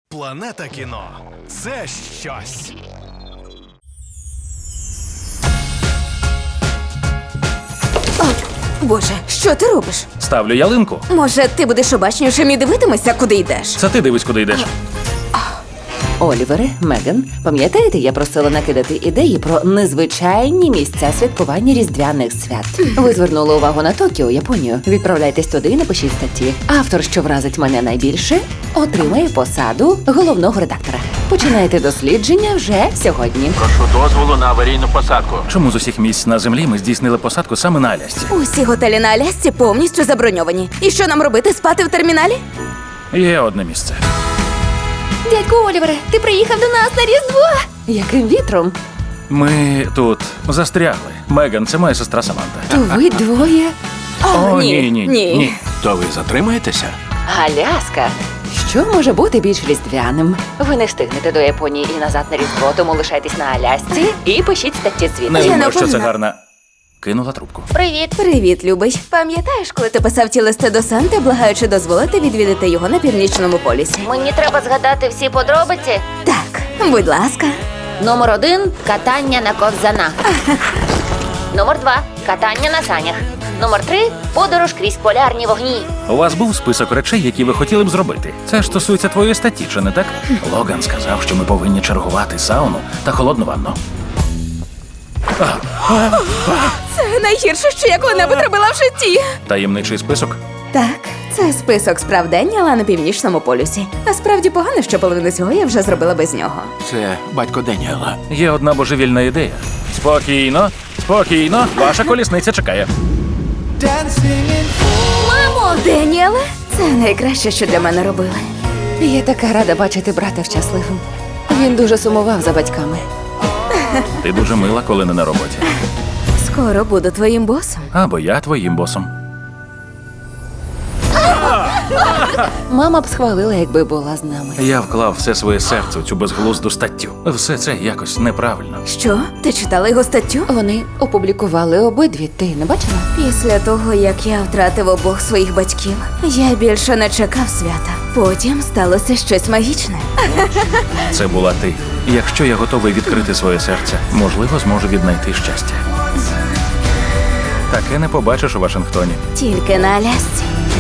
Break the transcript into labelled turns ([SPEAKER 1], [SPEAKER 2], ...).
[SPEAKER 1] Планета кіно – це щось.
[SPEAKER 2] Боже, що ти робиш?
[SPEAKER 3] Ставлю ялинку.
[SPEAKER 2] Може, ти будеш обачнішим і дивитимешся, куди йдеш?
[SPEAKER 3] Це ти дивись, куди йдеш.
[SPEAKER 4] Олівере, Меган, пам'ятаєте, я просила накидати ідеї про незвичайні місця святкування різдвяних свят. Ви звернули увагу на Токіо, Японію. Відправляйтесь туди і напишіть статті. Автор, що вразить мене найбільше, отримає посаду головного редактора. Починайте дослідження вже сьогодні.
[SPEAKER 5] Прошу дозволу на аварійну посадку.
[SPEAKER 3] Чому з усіх місць на землі ми здійснили посадку саме на Алясці?
[SPEAKER 2] Усі готелі на Алясці повністю заброньовані. І що нам робити, спати в терміналі?
[SPEAKER 3] Є одне місце.
[SPEAKER 4] Дядьку Олівере, ти приїхав до нас на Різдво! Яким вітром?
[SPEAKER 3] Ми тут застрягли. Меган, це моя сестра Саманта.
[SPEAKER 4] То ви двоє?
[SPEAKER 3] О, ні.
[SPEAKER 5] То ви затримаєтеся?
[SPEAKER 4] Аляска. Що може бути більш різдвяним? Ви не встигнете до Японії і назад на Різдво, тому лишайтесь на Алясці і пишіть статті звідти.
[SPEAKER 3] Не
[SPEAKER 2] Я
[SPEAKER 3] думаю, що це
[SPEAKER 2] напевно.
[SPEAKER 3] гарна. Кинула трубку.
[SPEAKER 4] Привіт.
[SPEAKER 2] Привіт, любий. Пам'ятаєш, коли ти писав ті листи до Санти, благаючи дозволити відвідати його на Північному полюсі?
[SPEAKER 6] Мені треба згадати всі подробиці.
[SPEAKER 2] Так, будь ласка.
[SPEAKER 6] Номер 1 – катання на ковзанах. Номер 2 – катання на санях. Номер 3 – подорож крізь полярні вогні.
[SPEAKER 3] У вас був список речей, які ви хотіли б зробити. Це ж стосується твоєї статті, чи не так? Логан сказав, що ми повинні чергувати сауну та холодну ванну.
[SPEAKER 2] Це найгірше, що я коли-небудь робила в житті.
[SPEAKER 3] Таємничий список?
[SPEAKER 2] Так, це список справ день, але на Північному полюсі. Насправді погано, що половину цього я вже зробила без нього.
[SPEAKER 5] Це батько Деніела.
[SPEAKER 3] Є одна божевільна ідея. Спокійно, спокійно, ваша колісниця чекає.
[SPEAKER 2] Мамо! Деніеле, це найкраще, що для мене робили.
[SPEAKER 4] Я така рада бачити брата щасливим. Він дуже сумував за батьками.
[SPEAKER 3] Ти дуже мила, коли не на роботі.
[SPEAKER 2] Скоро буду твоїм босом.
[SPEAKER 3] Або я твоїм босом.
[SPEAKER 4] Мама б схвалила, якби була з нами.
[SPEAKER 3] Я вклав все своє серце у цю безглузду статтю. Все це якось неправильно.
[SPEAKER 2] Що? Ти читала його статтю?
[SPEAKER 4] Вони опублікували обидві. Ти не бачила?
[SPEAKER 2] Після того, як я втратив обох своїх батьків, я більше не чекав свята. Потім сталося щось магічне.
[SPEAKER 3] Це була ти. Якщо я готовий відкрити своє серце, можливо, зможу віднайти щастя. Таке не побачиш у Вашингтоні.
[SPEAKER 2] Тільки на Алясці.